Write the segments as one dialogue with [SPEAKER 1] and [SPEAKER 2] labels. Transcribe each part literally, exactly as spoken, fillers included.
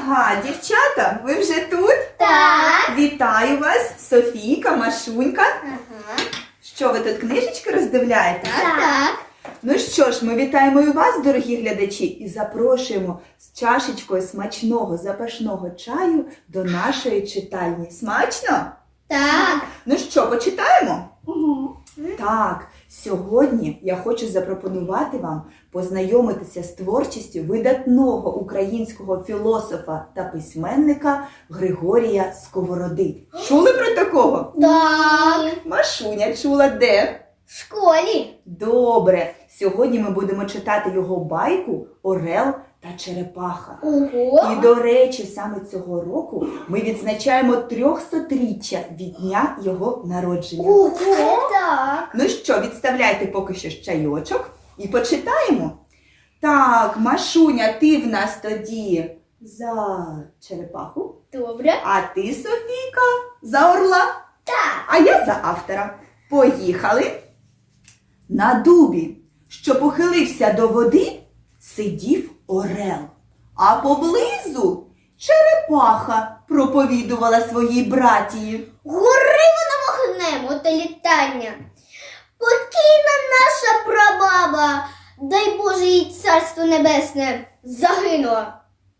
[SPEAKER 1] Ага, дівчата, ви вже тут?
[SPEAKER 2] Так.
[SPEAKER 1] Вітаю вас, Софійка, Машунька.
[SPEAKER 2] Ага.
[SPEAKER 1] Що, ви тут книжечки роздивляєтесь?
[SPEAKER 2] Так. Так.
[SPEAKER 1] Ну що ж, ми вітаємо і вас, дорогі глядачі, і запрошуємо з чашечкою смачного запашного чаю до нашої читальні. Смачно?
[SPEAKER 2] Так.
[SPEAKER 1] Ну що, почитаємо?
[SPEAKER 2] Угу.
[SPEAKER 1] Так, сьогодні я хочу запропонувати вам познайомитися з творчістю видатного українського філософа та письменника Григорія Сковороди. Чули про такого?
[SPEAKER 2] Так.
[SPEAKER 1] Машуня чула де?
[SPEAKER 2] В школі.
[SPEAKER 1] Добре, сьогодні ми будемо читати його байку «Орел та Черепаха».
[SPEAKER 2] Ого.
[SPEAKER 1] І, до речі, саме цього року ми відзначаємо трьохсотріччя від дня його народження.
[SPEAKER 2] Ого. Так.
[SPEAKER 1] Ну що, відставляйте поки що чайочок і почитаємо. Так, Машуня, ти в нас тоді за черепаху,
[SPEAKER 2] Добре.
[SPEAKER 1] а ти, Софійка, за орла,
[SPEAKER 2] Так.
[SPEAKER 1] а я за автора. Поїхали. На дубі, що похилився до води, сидів орел, а поблизу черепаха проповідувала своїй братії.
[SPEAKER 2] Гори воно вогнем, оте літання. Покійна наша прабаба, дай Боже їй царство небесне, загинула.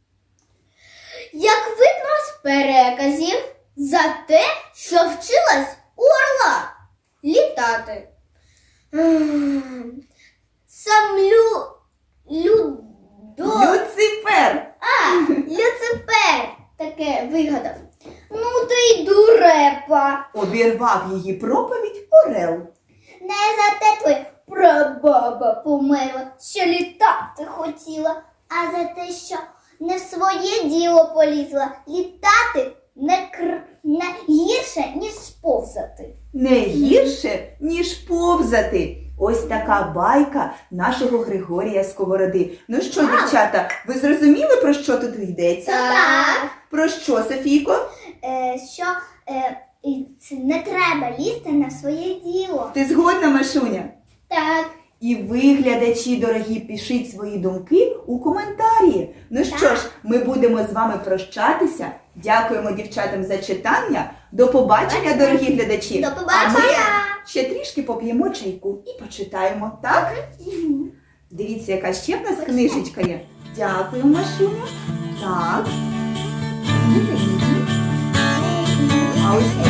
[SPEAKER 2] Як видно з переказів, за те, що вчилась у орла літати. Ем, Сам лю... Людо...
[SPEAKER 1] Люцифер!
[SPEAKER 2] А, Люцифер таке вигадав. Ну ти й дурепа.
[SPEAKER 1] Обірвав її проповідь орел.
[SPEAKER 2] Не за те твоя прабаба померла, що літати хотіла, а за те, що не в своє діло полізла. Літати не, кр... не гірше, ніж повзати.
[SPEAKER 1] Не гірше, ніж повзати. Ось така байка нашого Григорія Сковороди. Ну що,
[SPEAKER 2] Так.
[SPEAKER 1] дівчата, ви зрозуміли, про що тут йдеться?
[SPEAKER 2] Так.
[SPEAKER 1] Про що, Софійко?
[SPEAKER 2] Е, що е, і це не треба лізти на своє діло.
[SPEAKER 1] Ти згодна, Машуня?
[SPEAKER 2] Так.
[SPEAKER 1] І ви, глядачі дорогі, пишіть свої думки у коментарі. Ну що
[SPEAKER 2] Так.
[SPEAKER 1] ж, ми будемо з вами прощатися. Дякуємо дівчатам за читання. До побачення, дорогі глядачі.
[SPEAKER 2] До
[SPEAKER 1] А ми
[SPEAKER 2] побачення.
[SPEAKER 1] ще трішки поп'ємо чайку і почитаємо, так? Дивіться, яка ще в нас книжечка є. Дякую, Машуня. Так. А ось